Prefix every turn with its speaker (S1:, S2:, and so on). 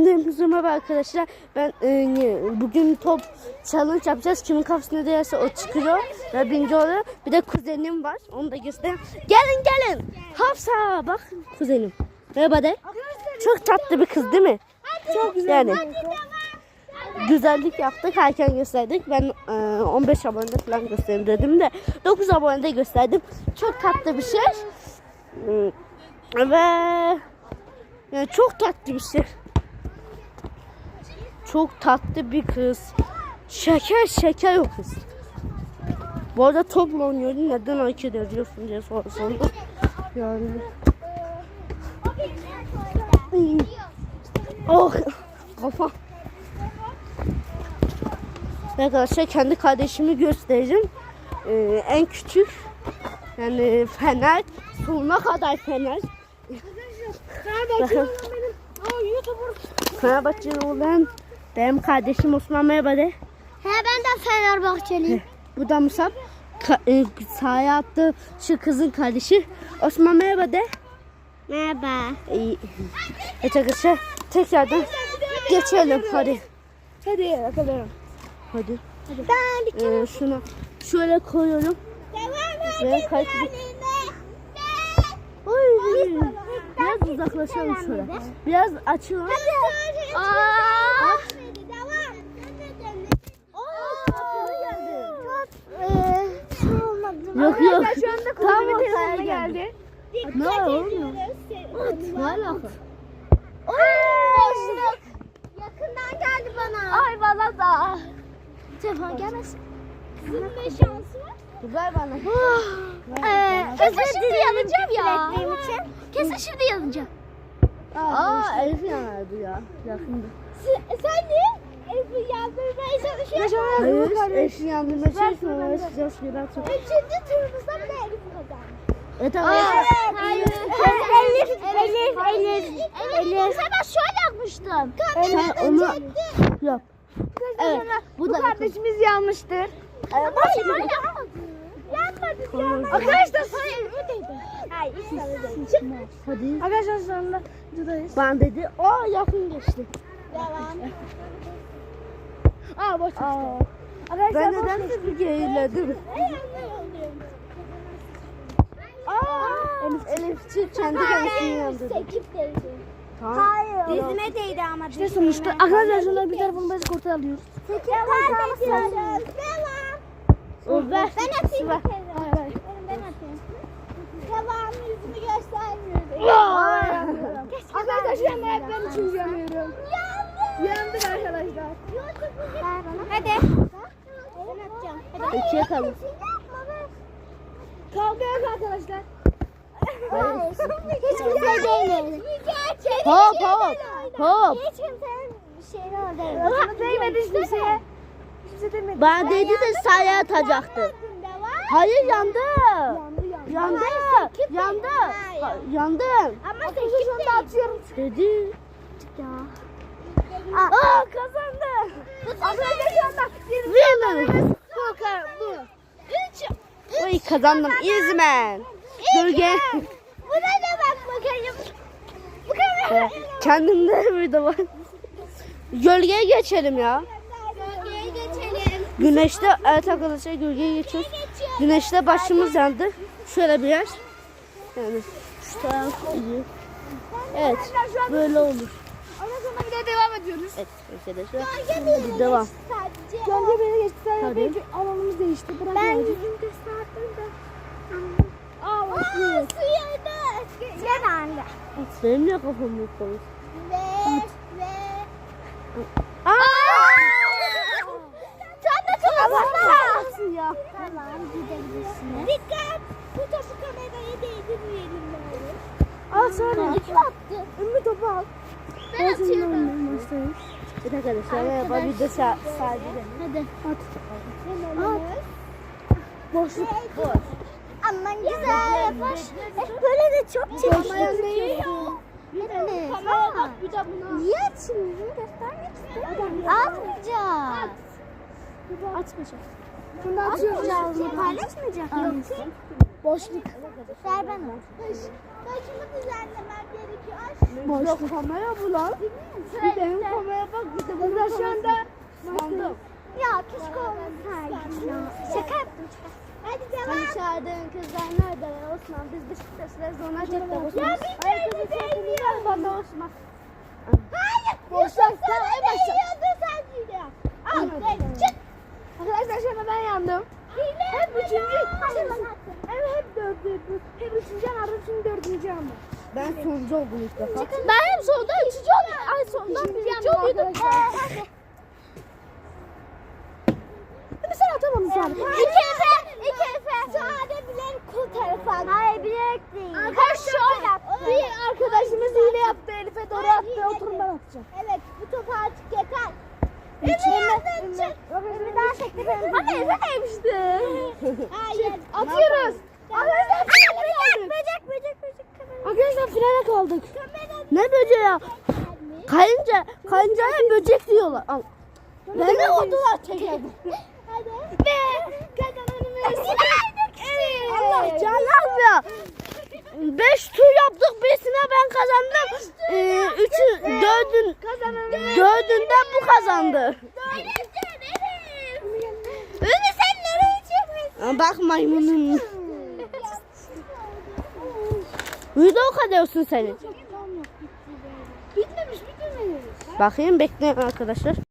S1: Cümlemize merhaba arkadaşlar. Ben bugün top challenge yapacağız. Kimin kafasına değerse o çıkıyor ve birinci oluyor. Bir de kuzenim var. Onu da göstereyim. Gelin. Hafsa bak kuzenim. Merhaba de. Çok tatlı bir kız değil mi? Çok güzel. Yani güzellik yaptık. Erken gösterdik. Ben 15 abonede falan göstereyim dedim de 9 abonede gösterdim. Çok tatlı bir şey. Ve yani çok tatlı bir şey. Çok tatlı bir kız. Şeker o kız. Bu arada topla oynuyorum. Neden hareket ediyorsun diye sorsanız. Yani. Oh kafa. Arkadaşlar kendi kardeşimi göstereceğim. En küçük. Yani Fener. Sonuna kadar Fener. Fenerbahçeli olan benim kardeşim Osman, merhaba de.
S2: He, ben de Fenerbahçeliyim.
S1: Bu da Musab. Sahaya attı şu kızın kardeşi. Osman merhaba de.
S2: Merhaba.
S1: Evet arkadaşlar tekrardan geçelim hadi. Hadi yakalayalım. Hadi.
S2: Ben
S1: Şunu şöyle koyuyorum. Ve kaybettim. Biraz uzaklaşalım şöyle. Biraz açalım. Yok. Tam ortaya geldi. Ne oldu? Ne alaka?
S2: Boşluk. Yakından geldi bana.
S1: Ay bana da.
S2: Telefon gelmesin. Kızın ne şansı var?
S1: Ver bana.
S2: Kesin şimdi yanacağım ya. Kesin şimdi yanacağım.
S1: Elif yanardı ya. Yakında.
S2: Sen de Elif'i yandırmaya çalışıyorsun.
S1: Hayır, Elif'i yandırmaya çalışmıyor.
S2: Üçüncü turumuzda bile Elif kazandı.
S1: Evet
S2: Hayır. Elif. Ben şöyle yapmıştım.
S1: Sen onu yap. Evet.
S2: Bu kardeşimiz yanmıştır. Yanmadı. Arkadaşlar sonra elime değdi. Hayır,
S1: Hadi.
S2: arkadaşlar sonunda buradayız.
S1: Ben dedi. Yakın geçti.
S2: Devam.
S1: Boş. Ben nedense bir geriledim. Elifçi kendi kendisini yandırdı.
S2: Sekip değdi.
S1: Tamam.
S2: Hayır. Dizime değdi ama.
S1: İşte sonuçta arkadaşlar şunları bir tarafını biz kurtarıyoruz.
S2: Sekip kaybediyoruz. Devam.
S1: Ver.
S2: Ben atayım.
S1: Ver.
S2: Ben atayım. Devam, yüzümü göstermiyorum.
S1: Arkadaşlar ben ayaklarım için yanıyorum. Yandık arkadaşlar.
S2: Hadi. Ben atacağım. Hadi.
S1: İkiye kalın.
S2: Kavga yok arkadaşlar. Hiç kimse değmedi.
S1: Hop.
S2: Hiç kimsenin şeyine orada.
S1: Değmedi hiçbir şeye. Ben dedi de sahaya atacaktı. Hayır yandı. Yandı.
S2: Ama sekip de atıyorum.
S1: Dedi.
S2: Kazandı.
S1: Winner. Oy kazandım. İzmen. Gölge.
S2: Bu ne demek bakayım. Bu kadar.
S1: Kendimde bir de var. Gölgeye geçelim ya.
S2: Bölgeye geçelim.
S1: Güneşte evet arkadaşlar gölgeye geçiyoruz. Güneşte başımız yandı. Şöyle bir yer. Yani şu taraf iyi. Evet böyle olur.
S2: Ondan sonra bir de devam ediyoruz.
S1: Evet arkadaşlar.
S2: Hadi
S1: devam.
S2: Sadece.
S1: Gölge beni geçti.
S2: Hadi.
S1: Alanımız değişti.
S2: Ben yüzümü gösterdim de. Suya da. Gel anne.
S1: Benim niye kafam yok konuş?
S2: Ve. Sen de kafasına.
S1: Ya.
S2: Tamam gidebilirsin. Dikkat. Bu topu kameraya değdirmeyelim bari.
S1: Al sonra.
S2: Kim attı?
S1: Ümmü topu al.
S2: Ben atıyorum.
S1: Evet arkadaşlar merhaba bir de sahibi
S2: Hadi.
S1: At. Boşluk. Boş.
S2: Aman güzel yapar. Böyle de çok çekiyor. Kameraya bak bir de buna. Niye açıyorsun? Göstermek istedim. Atmayacağız.
S1: Açmayacağım.
S2: Bunu atıyoruz. Paylaşmayacak mıyız? Boşluk. Ver bana. Başımı düzenlemem gerekiyor.
S1: Boşluk kamera bu lan.
S2: Sırayla Şaka yaptım. Hadi devam.
S1: Hani çağırdığın kızlar nerede Osman? Biz Beşiktaşlar zona çektik Osman.
S2: Ya bir kere değmiyor.
S1: Bana Osman.
S2: Hayır.
S1: Boşver,
S2: Yusuf
S1: sen en
S2: sana
S1: başta.
S2: değiyordu sen hile. Al çık.
S1: Arkadaşlar şimdi ben yandım.
S2: Hep üçüncü.
S1: Hep dördüncü. Hep üçüncü yanardım şimdi dördüncü yandım. Ben sonuncu oldum ilk defa.
S2: Ben hep solda üçüncü oldum. Ay soldan birinci oluyordum.
S1: Sen atamadın sen.
S2: İki efe. Sade bilen kul tarafı. Hayır bilerek değil.
S1: Arkadaşlar bir arkadaşımız hile yaptı. Elif'e doğru attı. Oturun ben atacağım.
S2: Evet bu topu artık yeter. Emre çık. Bir daha teklif edelim.
S1: Ama Efe demişti.
S2: Hayır.
S1: Atıyoruz. Arkadaşlar finale kaldık.
S2: Böcek.
S1: Arkadaşlar finale kaldık. Ne böceği ya? Kayıncaya böcek diyorlar. Al. Beni odular çekelim.
S2: Hadi. Ve kazananımız.
S1: Allah can yazmıyor. 5 tur yaptık. 5'ine ben kazandım. 4'ünde bu kazandı.
S2: Ünlü sen nereye çıkmışsın?
S1: Bak maymunum. Video kadıyorsun senin.
S2: Bitmemiş.
S1: Bakayım bekleyin arkadaşlar.